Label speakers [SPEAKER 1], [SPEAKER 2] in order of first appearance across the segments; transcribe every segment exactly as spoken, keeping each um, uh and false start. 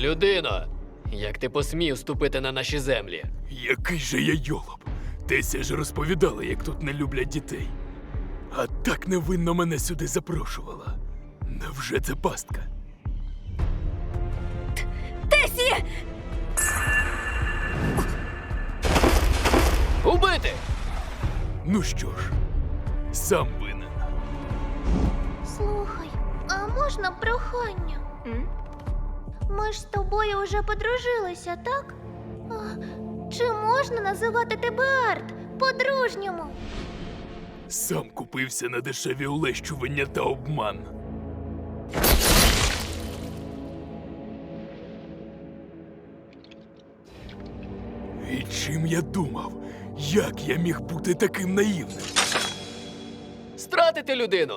[SPEAKER 1] Людино, як ти посмів ступити на наші землі?
[SPEAKER 2] Який же я йолоп. Тесі ж розповідала, як тут не люблять дітей. А так невинно мене сюди запрошувала. Невже це пастка?
[SPEAKER 3] Тесі!
[SPEAKER 1] Убити!
[SPEAKER 2] Ну що ж, сам винен.
[SPEAKER 4] Слухай, а можна прохання?
[SPEAKER 3] М?
[SPEAKER 4] Ми ж з тобою вже подружилися, так? А, чи можна називати тебе Арт по-дружньому?
[SPEAKER 2] Сам купився на дешеві улещування та обман. І чим я думав? Як я міг бути таким наївним?
[SPEAKER 1] Стратити людину!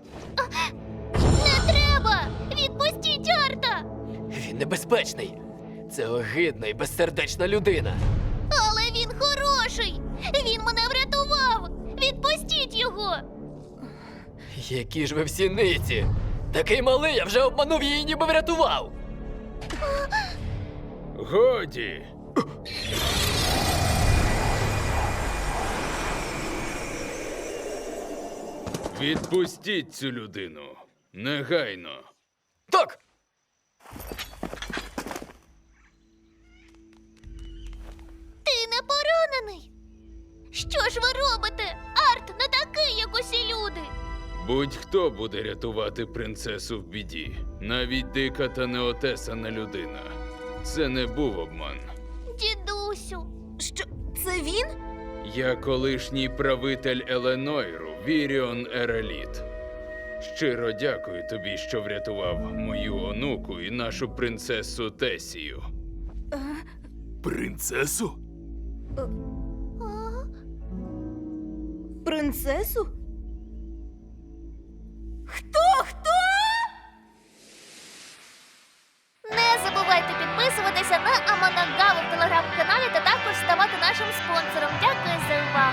[SPEAKER 4] Не треба! Відпустіть Арта!
[SPEAKER 1] Він небезпечний. Це огидна і безсердечна людина.
[SPEAKER 4] Але він хороший! Він мене врятував! Відпустіть його!
[SPEAKER 1] Які ж ви всі ниці! Такий малий, я вже обманув її, ніби врятував!
[SPEAKER 2] Годі!
[SPEAKER 5] Відпустіть цю людину. Негайно.
[SPEAKER 1] Так!
[SPEAKER 4] Ти не поранений! Що ж ви робите? Арт не такий, як усі люди!
[SPEAKER 5] Будь-хто буде рятувати принцесу в біді. Навіть дика та неотесана людина. Це не був обман.
[SPEAKER 4] Дідусю!
[SPEAKER 3] Що, це він?
[SPEAKER 5] Я колишній правитель Еленойру, Віріон Ереліт. Щиро дякую тобі, що врятував мою онуку і нашу принцесу Тесію.
[SPEAKER 2] Принцесу?
[SPEAKER 4] А?
[SPEAKER 3] Принцесу? Хто? Хто?
[SPEAKER 4] Не забувайте підписуватися на Аманагаву в телеграм-каналі та також ставати нашим спонсором. Дякую за увагу!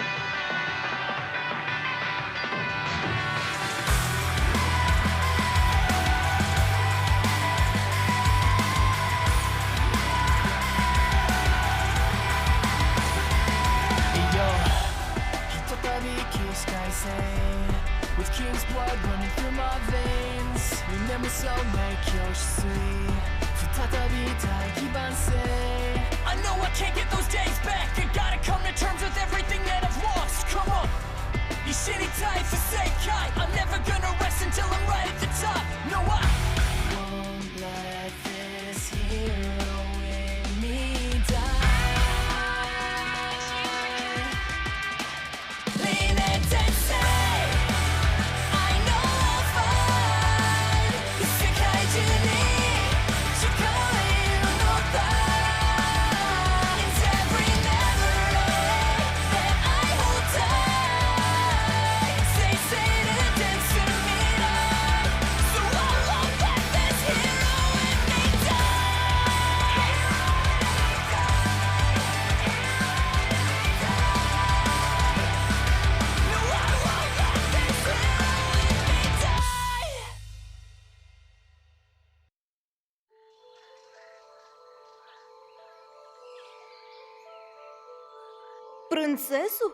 [SPEAKER 6] Yo, ひとたび起死回生 With king's blood running through my veins 夢もそうめきよしすい再び大器晩成 I know I can't get those days back I gotta come to terms with everything that I've lost Come on 一緒に大不正解 I'm never gonna rest until I'm right at the top No I won't let this hero in me die Lean it and say I know I'll find 世界中に誓いのた It's every memory that I hold tight Say say to dance to me now So I won't let this hero in me die No I won't let this hero in me die
[SPEAKER 3] Принцесу?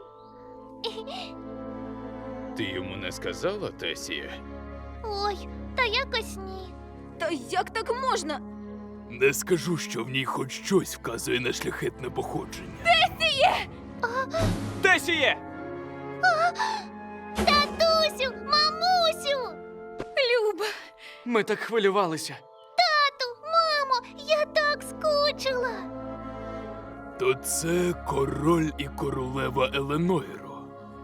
[SPEAKER 5] Ти йому не сказала, Тесія?
[SPEAKER 4] Ой, та якось ні.
[SPEAKER 3] Та як так можна?
[SPEAKER 2] Не скажу, що в ній хоч щось вказує на шляхетне походження.
[SPEAKER 7] Тесіє!
[SPEAKER 4] Татусю, мамусю!
[SPEAKER 3] Люба!
[SPEAKER 7] Ми так хвилювалися.
[SPEAKER 4] Тату, мамо, я так скучила.
[SPEAKER 2] То це король і королева Еленойру.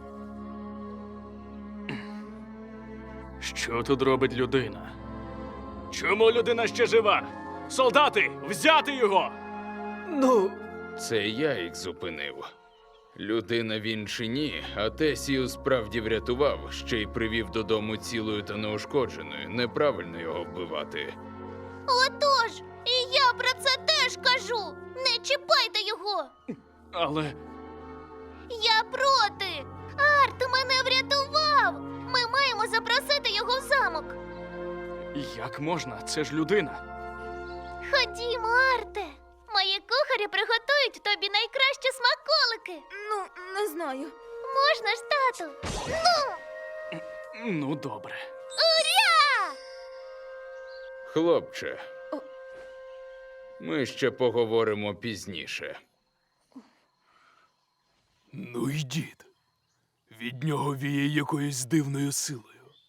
[SPEAKER 7] Що тут робить людина? Чому людина ще жива? Солдати, взяти його! Ну,
[SPEAKER 5] Це я їх зупинив. Людина він чи ні, а Тесію справді врятував, ще й привів додому цілою та неушкодженою. Неправильно його вбивати.
[SPEAKER 4] Отож, і я про це теж кажу. Не чіпайте його.
[SPEAKER 7] але
[SPEAKER 4] Я проти. Арт мене врятував. Ми маємо запросити його в замок.
[SPEAKER 7] як можна? Це ж людина.
[SPEAKER 4] Ходімо, Арте. Мої кухарі приготують тобі найкращі смаколики.
[SPEAKER 3] Ну, не знаю.
[SPEAKER 4] Можна ж, тату? Ну,
[SPEAKER 7] Ну, добре.
[SPEAKER 4] уря!
[SPEAKER 5] Хлопче,
[SPEAKER 3] О.
[SPEAKER 5] ми ще поговоримо пізніше.
[SPEAKER 2] Ну й дід. Від нього віє якоюсь дивною силою.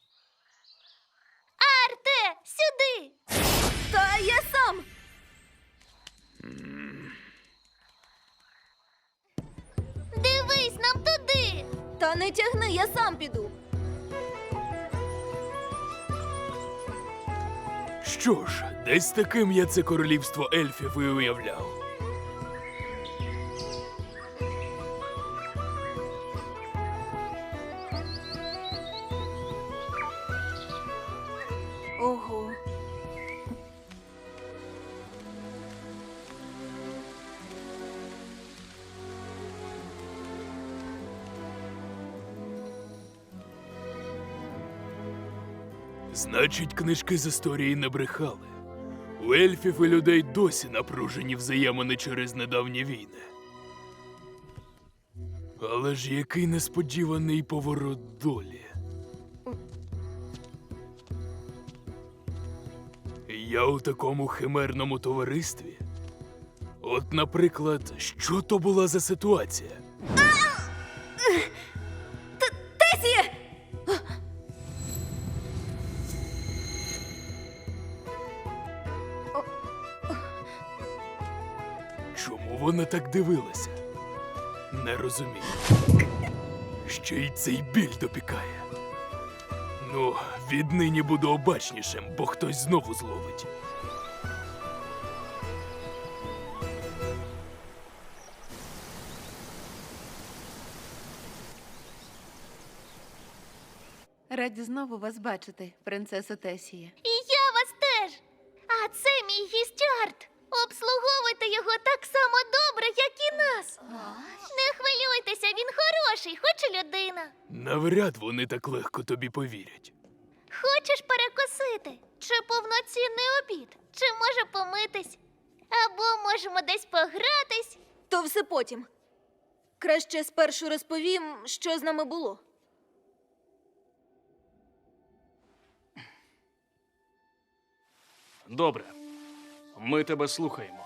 [SPEAKER 4] Арте, сюди!
[SPEAKER 3] Та я сам.
[SPEAKER 4] Дивись нам туди!
[SPEAKER 3] Та не тягни, я сам піду.
[SPEAKER 2] Що ж, десь таким я це королівство ельфів і уявляв.
[SPEAKER 3] Ого.
[SPEAKER 2] Значить, книжки з історії не брехали. У ельфів і людей досі напружені взаємини через недавні війни. Але ж який несподіваний поворот долі. Я у такому химерному товаристві. От, наприклад, що то була за ситуація?
[SPEAKER 3] Тесі!
[SPEAKER 2] Чому вона так дивилася? Не розумію. Ще й цей біль допікає. Ну, віднині буду обачнішим, бо хтось знову зловить.
[SPEAKER 8] Раді знову вас бачити, принцесо Тесія.
[SPEAKER 4] І я вас теж. А це мій гість Арт. Обслуговуйте його так само добре, як і нас. Не хвилюйтеся, він хороший, хоч і людина.
[SPEAKER 2] Навряд вони так легко тобі повірять.
[SPEAKER 4] Хочеш перекусити? Чи повноцінний обід? Чи може помитись? Або можемо десь погратись?
[SPEAKER 3] То все потім. Краще спершу розповім, що з нами було.
[SPEAKER 7] Добре. Ми тебе слухаємо.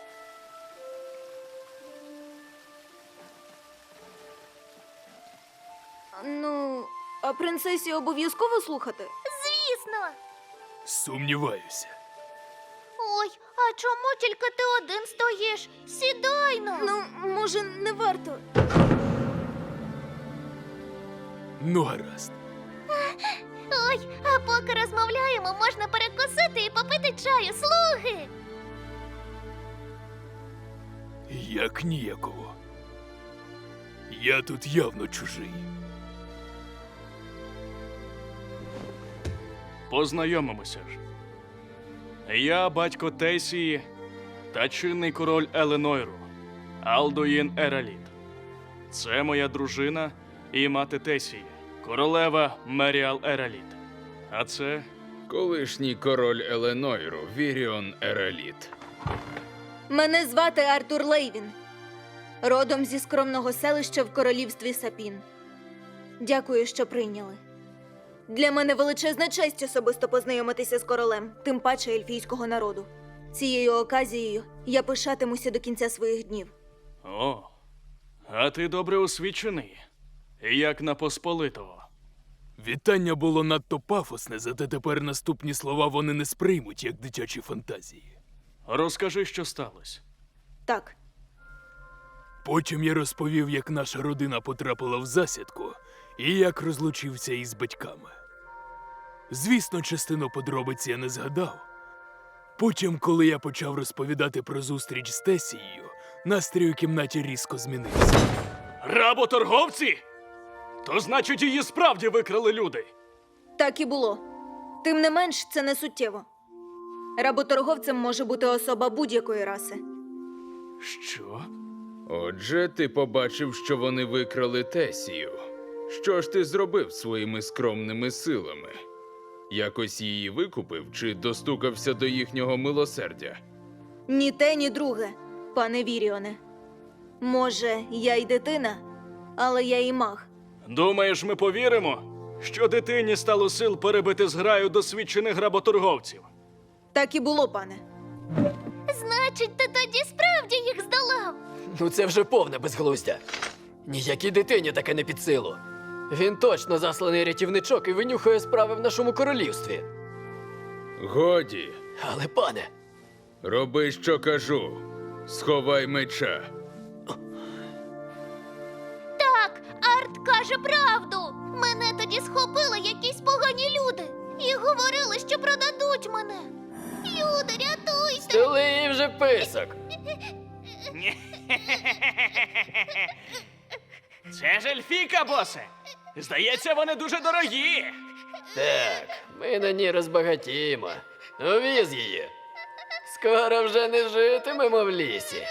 [SPEAKER 3] Ну, а принцесі обов'язково слухати?
[SPEAKER 4] Звісно.
[SPEAKER 2] Сумніваюся.
[SPEAKER 4] Ой, а чому тільки ти один стоїш? Сідай ну.
[SPEAKER 3] Ну, може, не варто.
[SPEAKER 2] Ну, гаразд.
[SPEAKER 4] Ой, а поки розмовляємо, можна перекусити і попити чаю, слуги.
[SPEAKER 2] Як ніяково. Я тут явно чужий.
[SPEAKER 7] Познайомимося ж. Я батько Тесії та чинний король Еленойру, Алдуїн Ераліт. Це моя дружина і мати Тесії, королева Меріал Ераліт. А це
[SPEAKER 5] Колишній король Еленойру, Віріон Ераліт.
[SPEAKER 3] Мене звати Артур Лейвін. Родом зі скромного селища в королівстві Сапін. Дякую, що прийняли. Для мене величезна честь особисто познайомитися з королем, тим паче ельфійського народу. Цією оказією я пишатимуся до кінця своїх днів.
[SPEAKER 7] О, а ти добре освічений, як на Посполитого.
[SPEAKER 2] Вітання було надто пафосне, зате тепер наступні слова вони не сприймуть, як дитячі фантазії.
[SPEAKER 7] Розкажи, що сталося.
[SPEAKER 3] Так,
[SPEAKER 2] Потім я розповів, як наша родина потрапила в засідку і як розлучився із батьками. Звісно, частину подробиць я не згадав. Потім, коли я почав розповідати про зустріч з Тесією, настрій у кімнаті різко змінився.
[SPEAKER 7] Работорговці? То значить, її справді викрали люди.
[SPEAKER 3] так і було. Тим не менш, це не суттєво. Работорговцем може бути особа будь-якої раси.
[SPEAKER 7] Що?
[SPEAKER 5] Отже, ти побачив, що вони викрали Тесію. Що ж ти зробив своїми скромними силами? Якось її викупив чи достукався до їхнього милосердя?
[SPEAKER 3] Ні те, ні друге, пане Віріоне. Може, я й дитина, але я і маг.
[SPEAKER 7] Думаєш, ми повіримо, що дитині стало сил перебити зграю досвідчених гработорговців?
[SPEAKER 3] Так і було, пане.
[SPEAKER 4] Значить, ти тоді справді їх здолав.
[SPEAKER 1] Ну це вже повне безглуздя. Ніякій дитині таке не під силу. Він точно засланий рятівничок і винюхує справи в нашому королівстві.
[SPEAKER 5] Годі,
[SPEAKER 1] Але, пане,
[SPEAKER 5] роби, що кажу. Сховай меча.
[SPEAKER 4] Так, Арт каже правду. Мене тоді схопили якісь погані люди і говорили, що продадуть мене. Люди, рятуйте!
[SPEAKER 1] стели їй вже писок.
[SPEAKER 7] Це ж ельфійка, босе! Здається, вони дуже дорогі.
[SPEAKER 1] Так, ми на ній розбагатіємо. Увіз її. Скоро вже не житимемо в лісі.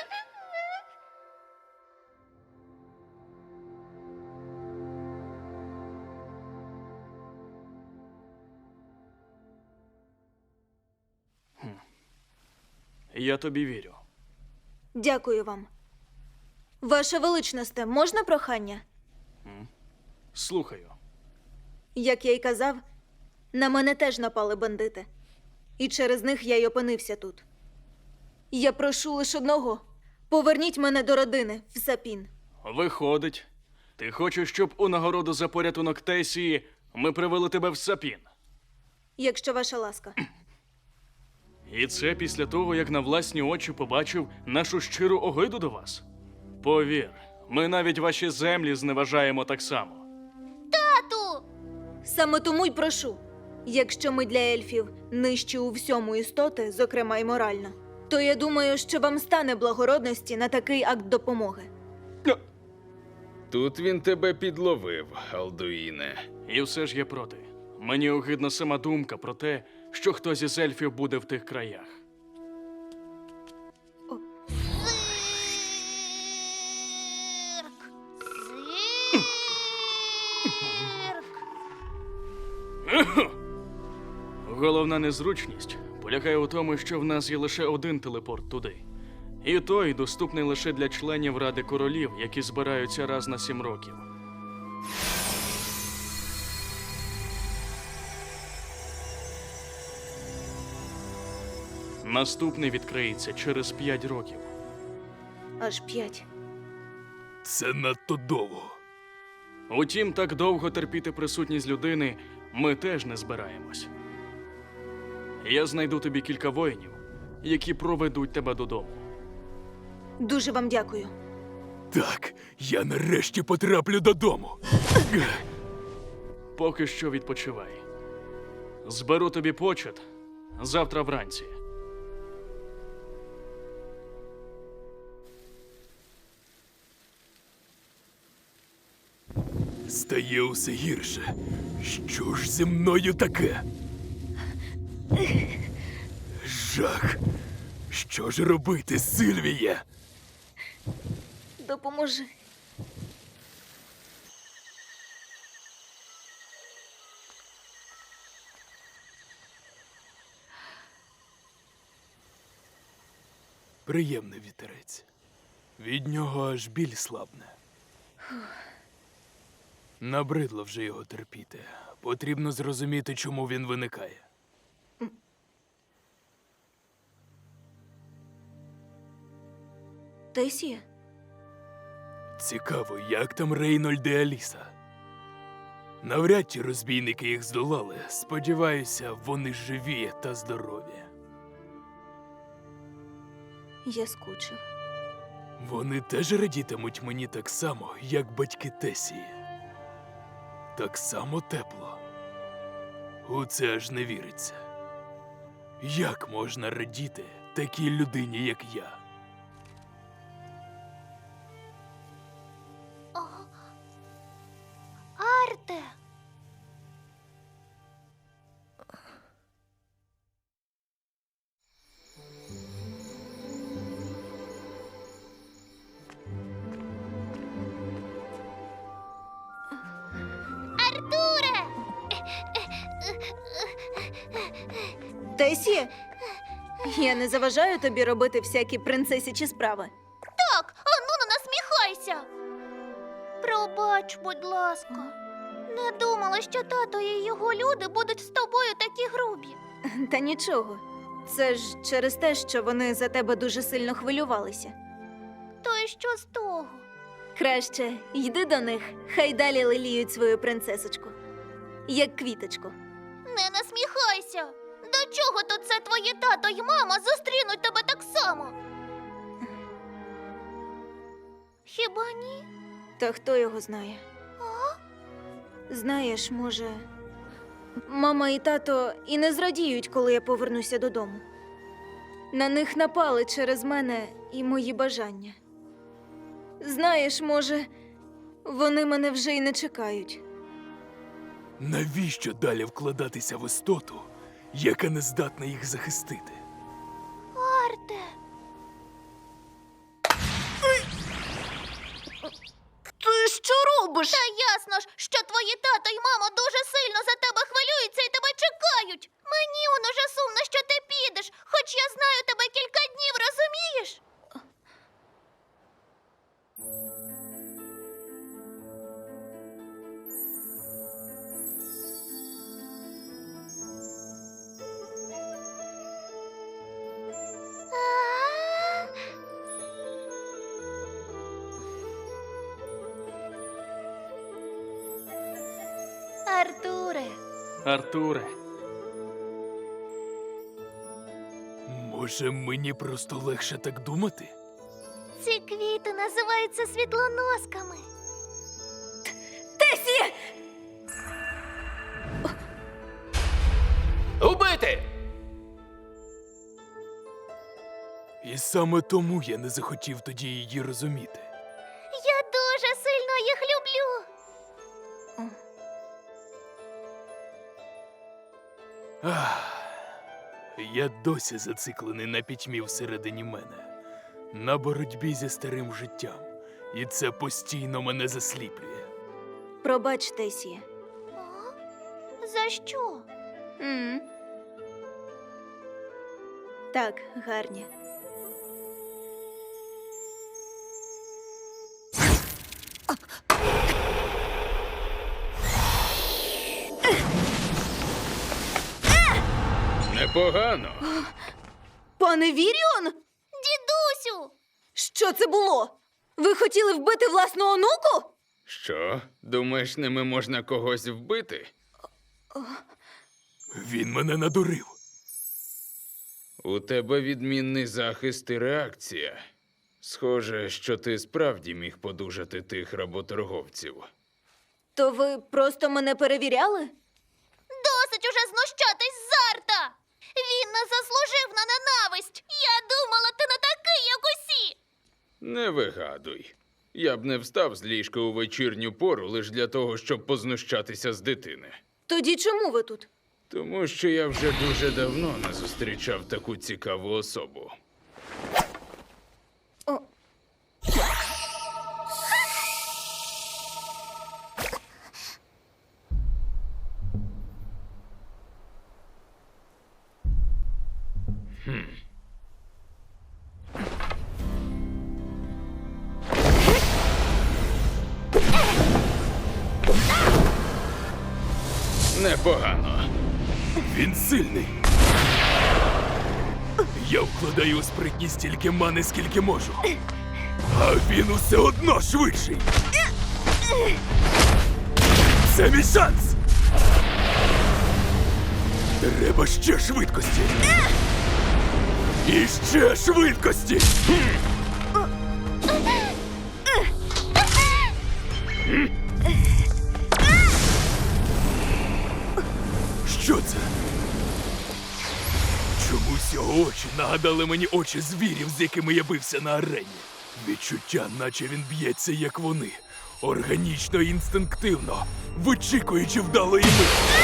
[SPEAKER 7] Я тобі вірю.
[SPEAKER 3] Дякую вам. Ваше величносте, можна прохання?
[SPEAKER 7] Слухаю.
[SPEAKER 3] Як я й казав, на мене теж напали бандити. І через них я й опинився тут. Я прошу лише одного. Поверніть мене до родини в Сапін.
[SPEAKER 7] Виходить, ти хочеш, щоб у нагороду за порятунок Тесії ми привели тебе в Сапін.
[SPEAKER 3] Якщо ваша ласка.
[SPEAKER 7] І це після того, як на власні очі побачив нашу щиру огиду до вас. Повір, ми навіть ваші землі зневажаємо так само.
[SPEAKER 4] Тату!
[SPEAKER 3] Саме тому й прошу. Якщо ми для ельфів нижчі у всьому істоти, зокрема й морально, то я думаю, що вам стане благородності на такий акт допомоги.
[SPEAKER 5] Тут він тебе підловив, Алдуїне.
[SPEAKER 7] І все ж я проти. Мені огидна сама думка про те, що хтось із ельфів буде в тих краях.
[SPEAKER 4] Цирк! Цирк!
[SPEAKER 7] Головна незручність полягає у тому, що в нас є лише один телепорт туди. І той доступний лише для членів Ради королів, які збираються раз на сім років. Наступний відкриється через п'ять років.
[SPEAKER 3] Аж п'ять.
[SPEAKER 2] Це надто довго.
[SPEAKER 7] Утім, так довго терпіти присутність людини ми теж не збираємось. Я знайду тобі кілька воїнів, які проведуть тебе додому.
[SPEAKER 3] Дуже вам дякую.
[SPEAKER 2] Так, я нарешті потраплю додому.
[SPEAKER 7] Поки що відпочивай. Зберу тобі почет завтра вранці.
[SPEAKER 2] Стає усе гірше. Що ж зі мною таке? Жах. Що ж робити, Сильвія?
[SPEAKER 3] Допоможи.
[SPEAKER 2] Приємний вітерець. Від нього аж біль слабне. Набридло вже його терпіти. Потрібно зрозуміти, чому він виникає.
[SPEAKER 3] Тесія?
[SPEAKER 2] Цікаво, як там Рейнольд і Аліса? Навряд чи розбійники їх здолали. Сподіваюся, вони живі та здорові.
[SPEAKER 3] Я скучив.
[SPEAKER 2] Вони теж радітимуть мені так само, як батьки Тесії. Так само тепло. У це аж не віриться. Як можна радіти такій людині, як я?
[SPEAKER 4] Арте!
[SPEAKER 3] Тесія? Я не заважаю тобі робити всякі принцесячі справи.
[SPEAKER 4] Так, ану не насміхайся. Пробач, будь ласка. Не думала, що тато і його люди будуть з тобою такі грубі.
[SPEAKER 3] Та нічого. Це ж через те, що вони за тебе дуже сильно хвилювалися.
[SPEAKER 4] То й що з того?
[SPEAKER 3] Краще йди до них, хай далі леліють свою принцесочку. Як квіточку.
[SPEAKER 4] Не насміхайся. До чого тут це твої тато й мама зустрінуть тебе так само? Хіба ні?
[SPEAKER 3] Та хто його знає? Знаєш, може, мама і тато і не зрадіють, коли я повернуся додому. На них напали через мене і мої бажання. Знаєш, може, вони мене вже й не чекають.
[SPEAKER 2] Навіщо далі вкладатися в істоту, яка не здатна їх захистити?
[SPEAKER 4] Арте.
[SPEAKER 3] Ти що робиш?
[SPEAKER 4] Та ясно ж, що твої тато й мама дуже сильно за тебе хвилюються і тебе чекають. Мені он уже сумно, що ти підеш, хоч я знаю тебе кілька днів, розумієш? А? Артуре.
[SPEAKER 7] Артуре,
[SPEAKER 2] Може, мені просто легше так думати?
[SPEAKER 4] Ці квіти називаються світлоносками.
[SPEAKER 3] Тесі!
[SPEAKER 1] Убити!
[SPEAKER 2] І саме тому я не захотів тоді її розуміти.
[SPEAKER 4] Я дуже сильно їх люблю.
[SPEAKER 2] Ах, я досі зациклений на пітьмі всередині мене, на боротьбі зі старим життям. І це постійно мене засліплює.
[SPEAKER 3] Пробач, Тесі.
[SPEAKER 4] О? За що?
[SPEAKER 3] М. Так, гарні.
[SPEAKER 5] Непогано.
[SPEAKER 3] Пане Віріон?
[SPEAKER 4] Дідусю!
[SPEAKER 3] Що це було? Ви хотіли вбити власну онуку?
[SPEAKER 5] Що? Думаєш, ними можна когось вбити?
[SPEAKER 2] Він мене надурив.
[SPEAKER 5] У тебе відмінний захист і реакція. Схоже, що ти справді міг подужати тих работорговців.
[SPEAKER 3] То ви просто мене перевіряли?
[SPEAKER 4] Досить уже знущатись з Арта! Він не заслужив на ненависть! Я думала, ти не такий, як усі!
[SPEAKER 5] Не вигадуй. Я б не встав з ліжка у вечірню пору лише для того, щоб познущатися з дитини.
[SPEAKER 3] Тоді чому ви тут?
[SPEAKER 5] Тому що я вже дуже давно не зустрічав таку цікаву особу.
[SPEAKER 3] О.
[SPEAKER 5] Непогано.
[SPEAKER 2] Він сильний. Я вкладаю у спритність стільки мани, скільки можу. А він усе одно швидший. Це мій шанс. Треба ще швидкості. І ще швидкості. Що це? Чомусь його очі нагадали мені очі звірів, з якими я бився на арені. Відчуття, наче він б'ється, як вони. Органічно і інстинктивно, вичікуючи вдалої миті.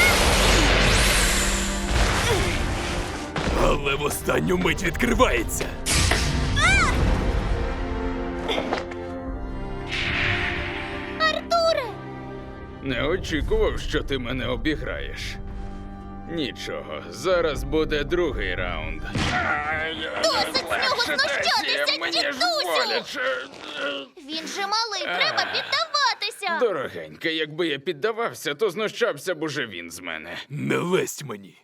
[SPEAKER 2] Але в останню мить відкривається.
[SPEAKER 4] Артуре!
[SPEAKER 5] Не очікував, що ти мене обіграєш. Нічого, зараз буде другий раунд.
[SPEAKER 4] Досить з нього знущатися,
[SPEAKER 5] Мені ж
[SPEAKER 4] дідусю!
[SPEAKER 5] боляче.
[SPEAKER 4] Він же малий, треба піддаватися.
[SPEAKER 5] Дорогенька, якби я піддавався, то знущався б уже він з мене.
[SPEAKER 2] Не лезь мені.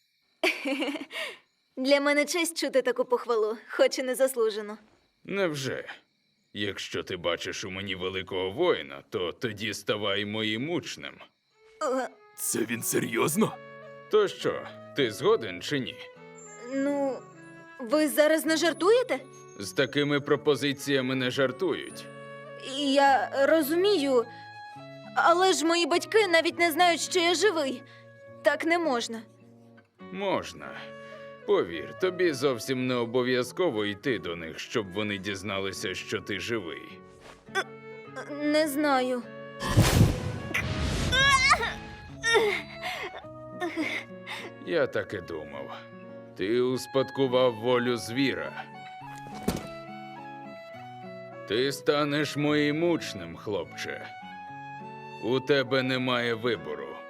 [SPEAKER 3] Для мене честь чути таку похвалу, хоч і не заслужено.
[SPEAKER 5] Невже? Якщо ти бачиш у мені великого воїна, то тоді ставай моїм учнем.
[SPEAKER 3] Е,
[SPEAKER 2] Це він серйозно?
[SPEAKER 5] То що, ти згоден чи ні?
[SPEAKER 3] ну, ви зараз не жартуєте?
[SPEAKER 5] З такими пропозиціями не жартують.
[SPEAKER 3] Я розумію, але ж мої батьки навіть не знають, що я живий. Так не можна.
[SPEAKER 5] Можна. Повір, тобі зовсім не обов'язково йти до них, щоб вони дізналися, що ти живий.
[SPEAKER 3] Не знаю.
[SPEAKER 5] Я так і думав. Ти успадкував волю звіра. Ти станеш моїм учнем, хлопче. У тебе немає вибору.